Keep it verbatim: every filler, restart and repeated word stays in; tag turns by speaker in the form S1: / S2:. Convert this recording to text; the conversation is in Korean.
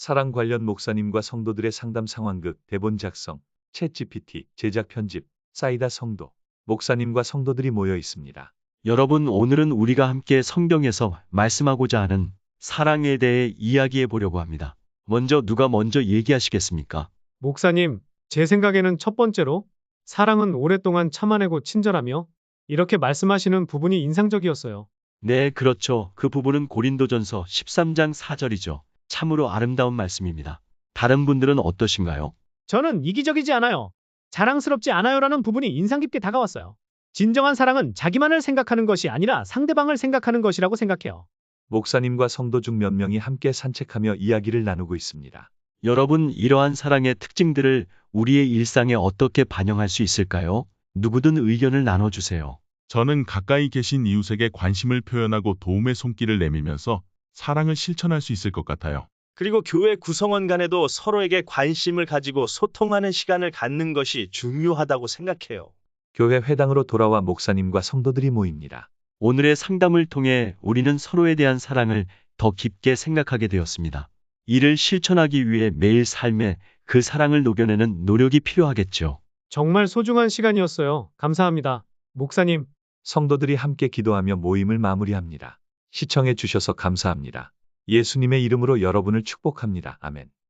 S1: 사랑 관련 목사님과 성도들의 상담 상황극, 대본 작성, 챗지피티, 제작 편집, 사이다 성도, 목사님과 성도들이 모여 있습니다.
S2: 여러분, 오늘은 우리가 함께 성경에서 말씀하고자 하는 사랑에 대해 이야기해 보려고 합니다. 먼저 누가 먼저 얘기하시겠습니까?
S3: 목사님, 제 생각에는 첫 번째로 사랑은 오랫동안 참아내고 친절하며 이렇게 말씀하시는 부분이 인상적이었어요.
S2: 네, 그렇죠. 그 부분은 고린도전서 십삼 장 사 절이죠. 참으로 아름다운 말씀입니다. 다른 분들은 어떠신가요?
S3: 저는 이기적이지 않아요. 자랑스럽지 않아요라는 부분이 인상 깊게 다가왔어요. 진정한 사랑은 자기만을 생각하는 것이 아니라 상대방을 생각하는 것이라고 생각해요.
S1: 목사님과 성도 중 몇 명이 함께 산책하며 이야기를 나누고 있습니다.
S2: 여러분, 이러한 사랑의 특징들을 우리의 일상에 어떻게 반영할 수 있을까요? 누구든 의견을 나눠주세요.
S4: 저는 가까이 계신 이웃에게 관심을 표현하고 도움의 손길을 내밀면서 사랑을 실천할 수 있을 것 같아요.
S5: 그리고 교회 구성원 간에도 서로에게 관심을 가지고 소통하는 시간을 갖는 것이 중요하다고 생각해요.
S1: 교회 회당으로 돌아와 목사님과 성도들이 모입니다.
S2: 오늘의 상담을 통해 우리는 서로에 대한 사랑을 더 깊게 생각하게 되었습니다. 이를 실천하기 위해 매일 삶에 그 사랑을 녹여내는 노력이 필요하겠죠.
S3: 정말 소중한 시간이었어요. 감사합니다. 목사님.
S1: 성도들이 함께 기도하며 모임을 마무리합니다. 시청해 주셔서 감사합니다. 예수님의 이름으로 여러분을 축복합니다. 아멘.